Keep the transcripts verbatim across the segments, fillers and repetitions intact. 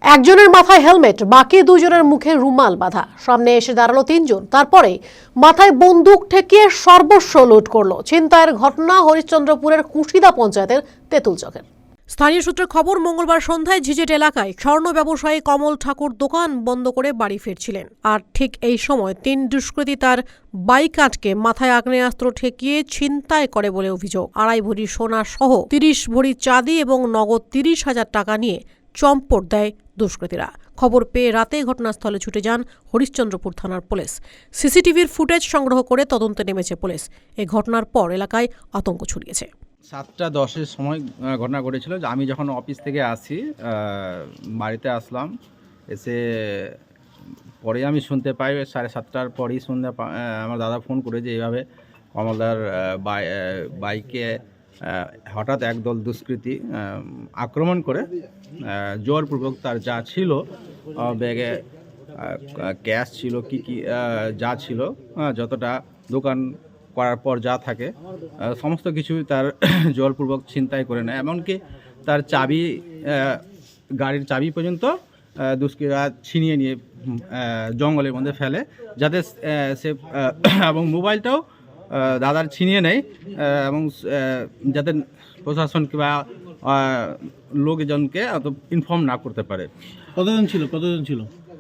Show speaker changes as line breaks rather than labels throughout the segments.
একজনের মাথায় হেলমেট, বাকি দুজনের মুখে রুমাল বাঁধা। সামনে এসে দাঁড়ালো তিনজন, তারপরে মাথায় বন্দুক ঠেকিয়ে সর্বস্ব লুট করলো। ছিনতাইয়ের ঘটনা হরিশ্চন্দ্রপুরের কুশিদা পঞ্চায়েতের তেঁতুলচকের। স্থানীয় সূত্রে খবর, মঙ্গলবার সন্ধ্যায় ঝিঝেট এলাকায় স্বর্ণ ব্যবসায়ী কমল ঠাকুর দোকান বন্ধ করে বাড়ি ফিরছিলেন। আর ঠিক এই সময় তিন দুষ্কৃতী তার বাইক আটকে মাথায় আগ্নেয়াস্ত্র ঠেকিয়ে ছিনতাই করে বলে অভিযোগ। আড়াই ভরি সোনা সহ তিরিশ ভরি চাঁদি এবং নগদ তিরিশ হাজার টাকা নিয়ে চম্পট দেয় দুষ্কৃতীরা। খবর পেয়ে রাতে ঘটনাস্থলে ছুটে যান হরিশ্চন্দ্রপুর থানার পুলিশ। সিসিটিভির ফুটেজ সংগ্রহ করে তদন্তে নেমেছে পুলিশ। এই ঘটনার পর এলাকায় আতঙ্ক ছড়িয়েছে।
সাতটা দশের সময় ঘটনা ঘটেছিল। আমি যখন অফিস থেকে আসি, বাড়িতে আসলাম, এসে পরে আমি শুনতে পাই সাড়ে সাতটার পরেই শুনতে আমার দাদা ফোন করে যে এইভাবে কমলদার বাইকে হঠাৎ একদল দুষ্কৃতী আক্রমণ করে জোরপূর্বক তার যা ছিল ব্যাগে ক্যাশ ছিল, কি কি যা ছিল, যতটা দোকান করার পর যা থাকে সমস্ত কিছু তার জোরপূর্বক ছিনতাই করে নেয়। এমনকি তার চাবি, গাড়ির চাবি পর্যন্ত দুষ্কৃতীরা ছিনিয়ে নিয়ে জঙ্গলের মধ্যে ফেলে, যাতে সে এবং মোবাইলটাও দাদার ছিনিয়ে নেয় এবং যাতে প্রশাসন কিংবা লোকজনকে অত ইনফর্ম না করতে পারে।
কতজন ছিল কতজন ছিল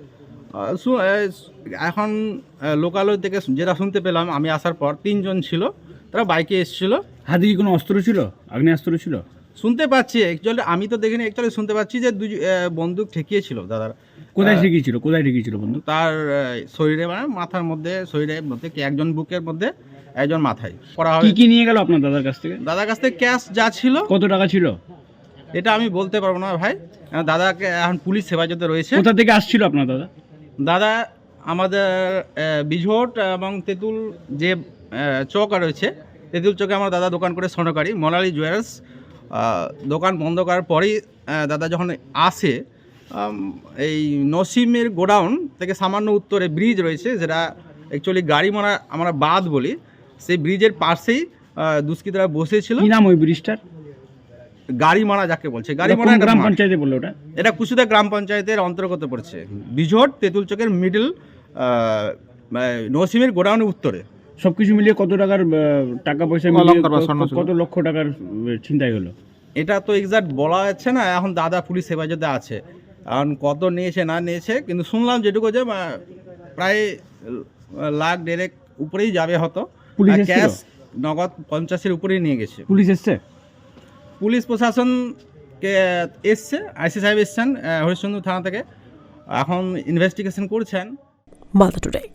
এখন লোকালয় থেকে যেটা শুনতে পেলাম আমি আসার পর, তিনজন ছিল, তারা বাইকে এসেছিল।
হাতে কি কোনো অস্ত্র ছিল, আগ্নেয়াস্ত্র ছিল?
শুনতে পাচ্ছি, অ্যাকচুয়ালি আমি তো দেখিনি, অ্যাকচুয়ালি শুনতে পাচ্ছি যে দুই বন্দুক ঠেকিয়েছিল দাদার।
কোথায় ঠেকিয়েছিল কোথায় ঠেকিয়েছিল বন্দুক?
তার শরীরে, মানে মাথার মধ্যে, শরীরের মধ্যে, একজন বুকের মধ্যে, একজন মাথায় করা হয়।
কি কি নিয়ে গেল আপনার দাদার কাছ থেকে?
দাদার কাছ থেকে ক্যাশ যা ছিল।
কত টাকা ছিল
এটা আমি বলতে পারবো না ভাই, দাদাকে এখন পুলিশ হেফাজতে রয়েছে।
কোথা থেকে আসছিল আপনার দাদা?
দাদা আমাদের বিঝট এবং তেঁতুল যে চক রয়েছে, তেঁতুল চকে আমার দাদা দোকান করে স্বর্ণকারী মোনালি জুয়েলার্স। দোকান বন্ধ করার পরেই দাদা যখন আসে, এই নসিমের গোডাউন থেকে সামান্য উত্তরে ব্রিজ রয়েছে, যেটা অ্যাকচুয়ালি গাড়ি মারা আমরা বাদ বলি, সেই ব্রিজের পাশেই দুষ্কৃতীরা বসেছিল।
কি নাম ওই ব্রিজটার?
গাড়ি মারা যাকে বলছে, গাড়ি মারা
গ্রাম পঞ্চায়েতে বললো ওটা?
এটা কুশিদা গ্রাম পঞ্চায়েতের অন্তর্গত পড়ছে। বিঝট তেঁতুল চকের মিডল নসিমের গোডাউনের উত্তরে।
সবকিছু মিলিয়ে কত টাকার টাকা পয়সা, কত লক্ষ টাকার ছিনতাই হলো? এটা
তো এক্সাক্ট বলা যাচ্ছে না, এখন দাদা পুলিশ হেফাজতে আছে, এখন কত নিয়েছে না নিয়েছে, কিন্তু শুনলাম যেটুকু যে প্রায় লাখ দেড়েক উপরেই যাবে হতো।
পুলিশ
ক্যাশ নগদ পঞ্চাশের উপরেই নিয়ে গেছে।
পুলিশ এসছে?
পুলিশ প্রশাসনকে এসছে, আইসি সাহেব এসছেন হরিশ্চন্দ্র থানা থেকে, এখন ইনভেস্টিগেশন করছেন।
মালদা টুডে।